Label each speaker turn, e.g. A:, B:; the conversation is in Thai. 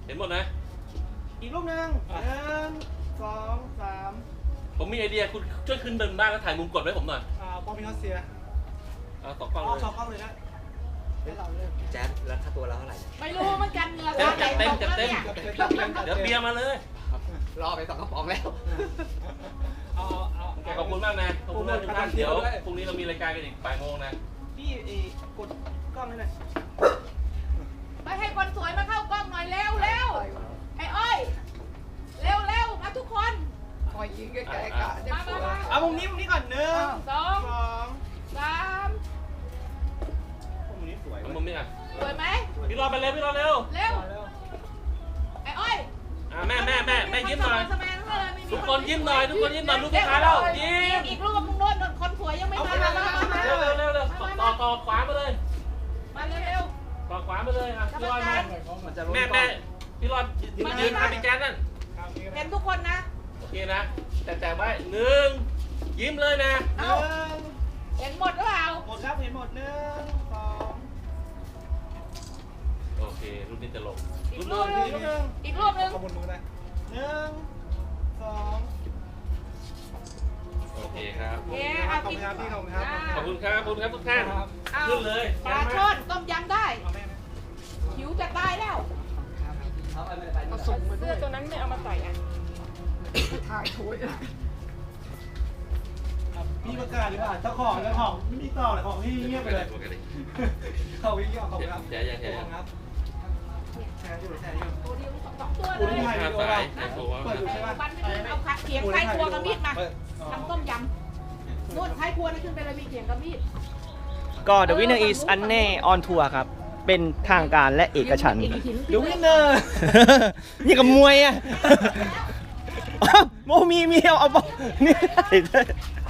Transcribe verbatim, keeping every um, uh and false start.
A: เห็นหมดนะ
B: อีกรูปหนึ่งหนึ่งสองสาม
A: ผมมีไอเดียคุณช่วยขึ้นเดินบ้านแล้วถ่ายมุมกดไว้ผมหน่อย
B: อ่าปอมพิคัสเซีย
A: เอาสองกล้องเลย
B: สองกล้องเลยนะให้เราเลย
C: แจ๊ดแล้วค่าตัวเราเท่าไหร่
D: ไม่รู้มันกันเงิน
A: จัดเต็มจัดเต็มเดี๋ยวเบียร์มาเลย
C: รอไปสองกระป๋องแล้ว
B: เอาเอา
A: ขอบคุณมากนะขอบคุณมากทุกท่านเดี๋ยวพรุ่งนี้เรามีรายการกันอีกบ่ายโมงนะ
B: พี่กดกล้องให้หน่อย
D: ไปให้คนสวยมาเข้ากล้องหน่อยเร็วเร็วไอ้อ้อยเร็วเร็วมาทุกคน
C: คอยยิงใกล้ๆกะ
D: มามามา
B: เอามุมนี้มุมนี้ก่อนหนึ่ง
D: สอง
B: สอง
D: สาม
B: มุมนี้สวย
A: มุมนี้อ่ะ
D: สวยไหม
A: พี่รอไปเร็วพี่รอเร็ว
D: เร็วไอ้อ้อย
A: อ่าแม่แม่แม่แม่ยิ้มหน่อยทุกคนยิ้มหน่อยทุกคนยิ้มหน่อยลูกค้าแล้วยิ้ม
D: อีกรูปมึงโน่นคนสวยยังไม่มามามา
A: เร็วเร็วเร็วเร็วต่อต่อขวามาเลย
D: มาเร็ว
A: ต่อขวามาเลยอ่ะพี่รอดมาแม่แม่พี่รอดยืนทำพี่แจ๊ดนั่น
D: เห็นทุกคนนะ
A: โอเคนะแต่แต่ไว้หนึ่งยิ้มเลยนะ
B: หนึ่ง
D: เห็นหมดหรือเปล่า
B: หมดครับเห็นหมดหนึ่งสอง
A: โอเครูปนี้จะลง
D: อีกรูปนึงอีกรูปนึง
B: ขอบคุณมือเลยหนึ่งสอง
A: โอเคครับ
D: โอเค
B: ขอบคุณครับพี่ขอบคุณครับ
A: ขอบคุณครับขอบคุณครับทุกท่านขึ้นเลย
D: ปลาช่อนต้มยำได้หิวจะตายแล้ว
C: เอาส่งมา
D: เสื้อตัวนั้นไม่เอามาใส่อ่ะ
C: ถ่ายถ้วย
B: พี่ประกาศดีกว่าเจ้าของเจ้าของไม่มีต่อเลยของพี่เงียบไปเลยเขาวิ่งเงียบขอบคุณครับ
A: แชร์ยังแชร์ยัง
B: ครับแชร์อยู่แชร์อยู่
D: ตัวเดียวสองตัวเลย
B: ถ่ายวิดีโอเราเปิดอยู่ใช่ไหม
D: วันไปขึ้นเอาเขียงไทยครัวกับมีดมาทำต้มยำนู่นไทยครัวนี่ขึ้นไปเลยมีเขียงกับมีด
E: ก็ The Winner is Anne on Tour ครับ เป็นทางการและเอกฉันท์
B: The Winner
E: นี่กับมวยอ่ะโมมีมีเอาเอาบอลนี่